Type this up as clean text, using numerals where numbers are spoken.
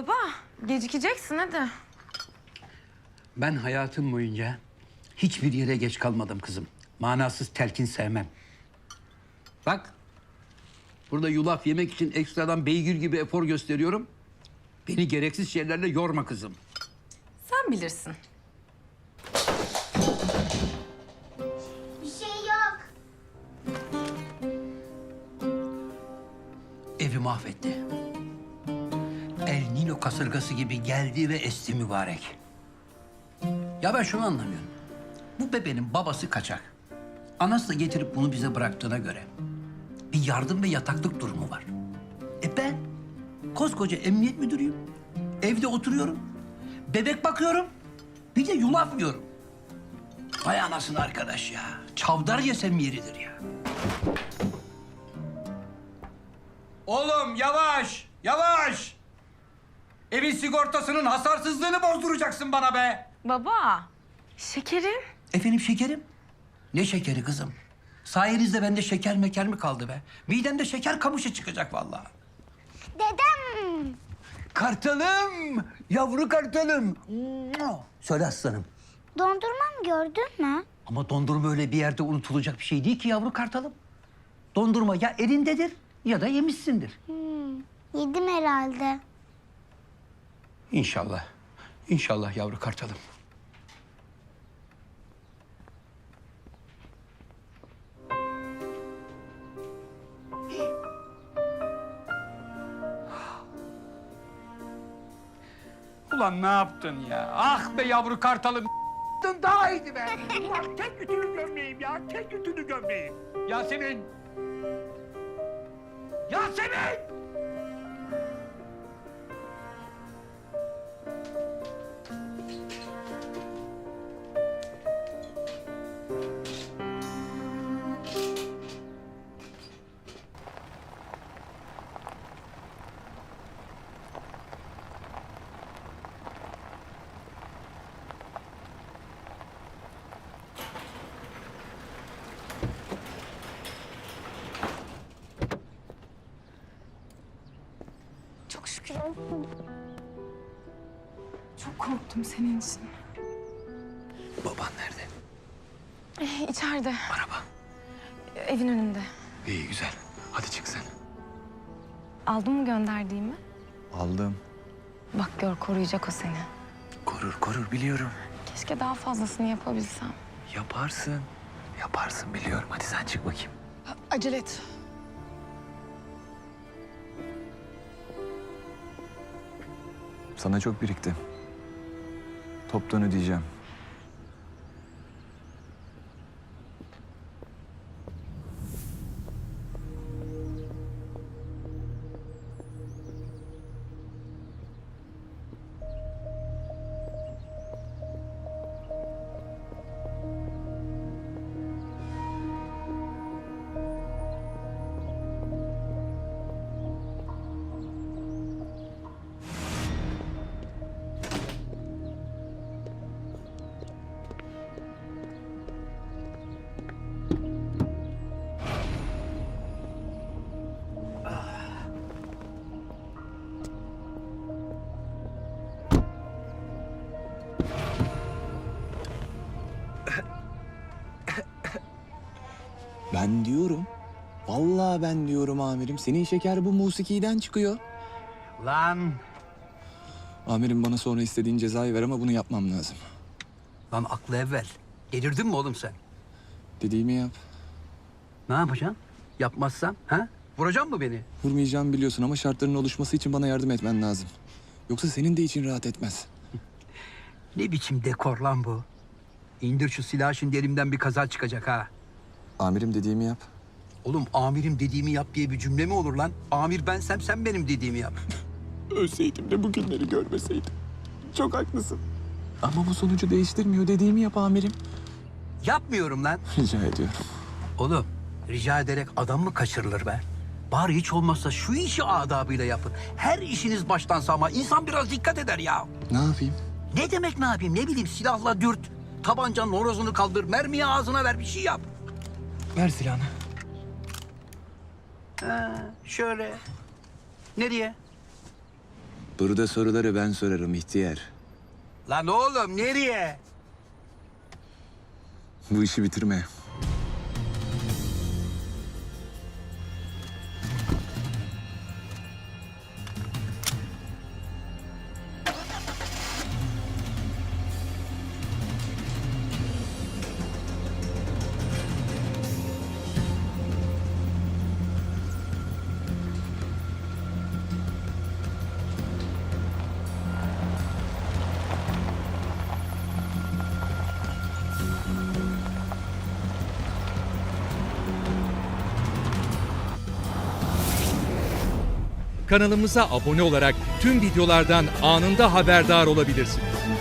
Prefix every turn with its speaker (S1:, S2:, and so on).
S1: Baba, gecikeceksin hadi.
S2: Ben hayatım boyunca hiçbir yere geç kalmadım kızım. Manasız telkin sevmem. Bak, burada yulaf yemek için ekstradan beygir gibi efor gösteriyorum. Beni gereksiz şeylerle yorma kızım.
S1: Sen bilirsin.
S3: Bir şey yok.
S2: Evi mahvetti. El Nino kasırgası gibi geldi ve esti mübarek. Ya ben şunu anlamıyorum. Bu bebenin babası kaçak. Anası da getirip bunu bize bıraktığına göre bir yardım ve yataklık durumu var. Ben koskoca emniyet müdürüyüm. Evde oturuyorum. Bebek bakıyorum. Bir de yulaf yiyorum. Vay anasını arkadaş ya. Çavdar yesem yeridir ya. Oğlum yavaş, yavaş. Evin sigortasının hasarsızlığını bozduracaksın bana be.
S1: Baba, şekerim.
S2: Efendim şekerim? Ne şekeri kızım? Sayenizde bende şeker meker mi kaldı be? Midemde şeker kamışı çıkacak vallahi.
S3: Dedem.
S2: Kartalım, yavru kartalım. Söyle aslanım.
S3: Dondurmam gördün mü?
S2: Ama dondurma öyle bir yerde unutulacak bir şey değil ki yavru kartalım. Dondurma ya elindedir ya da yemişsindir.
S3: Yedim herhalde.
S2: İnşallah. İnşallah yavru kartalım. Ulan ne yaptın ya? Ah be yavru kartalım. Daha iyiydi be. Ulan tek ütülü gömleğim ya. Tek ütülü gömleğim. Yasemin. Yasemin!
S1: Çok şükür. Çok korktum senin için.
S2: Baban nerede?
S1: İçeride,
S2: Araba.
S1: evin önünde.
S4: İyi güzel. Hadi çık sen.
S1: Aldın mı gönderdiğimi?
S4: Aldım.
S1: Bak gör, koruyacak o seni.
S4: Korur korur biliyorum.
S1: Keşke daha fazlasını yapabilsem.
S4: Yaparsın. Yaparsın biliyorum. Hadi sen çık bakayım.
S1: Acele et.
S4: Sana çok birikti. Toptan ödeyeceğim. Ben diyorum. Vallahi ben diyorum amirim. Senin şeker bu musikiden çıkıyor.
S2: Lan.
S4: Amirim bana sonra istediğin cezayı ver ama bunu yapmam lazım.
S2: Lan aklı evvel. Delirdin mi oğlum sen?
S4: Dediğimi yap.
S2: Ne yapacaksın? Yapmazsam ha? Vuracak mı beni?
S4: Vurmayacağımı biliyorsun ama şartların oluşması için bana yardım etmen lazım. Yoksa senin de için rahat etmez.
S2: Ne biçim dekor lan bu? İndir şu silahı, şimdi elimden bir kaza çıkacak ha.
S4: Amirim dediğimi yap.
S2: Oğlum amirim dediğimi yap diye bir cümle mi olur lan? Amir bensem sen benim dediğimi yap.
S4: Ölseydim de bugünleri görmeseydim. Çok haklısın. Ama bu sonucu değiştirmiyor. Dediğimi yap amirim.
S2: Yapmıyorum lan.
S4: Rica ediyorum.
S2: Oğlum rica ederek adam mı kaçırılır be? Bari hiç olmazsa şu işi adabıyla yapın. Her işiniz baştan sağma. İnsan biraz dikkat eder ya.
S4: Ne yapayım?
S2: Ne demek ne yapayım? Ne bileyim, silahla dürt. Tabancanın horozunu kaldır. Mermiyi ağzına ver, bir şey yap.
S4: Ver silahını.
S2: Şöyle. Nereye?
S4: Burada soruları ben sorarım ihtiyar.
S5: Lan oğlum nereye?
S4: Bu işi bitirme.
S6: Kanalımıza abone olarak tüm videolardan anında haberdar olabilirsiniz.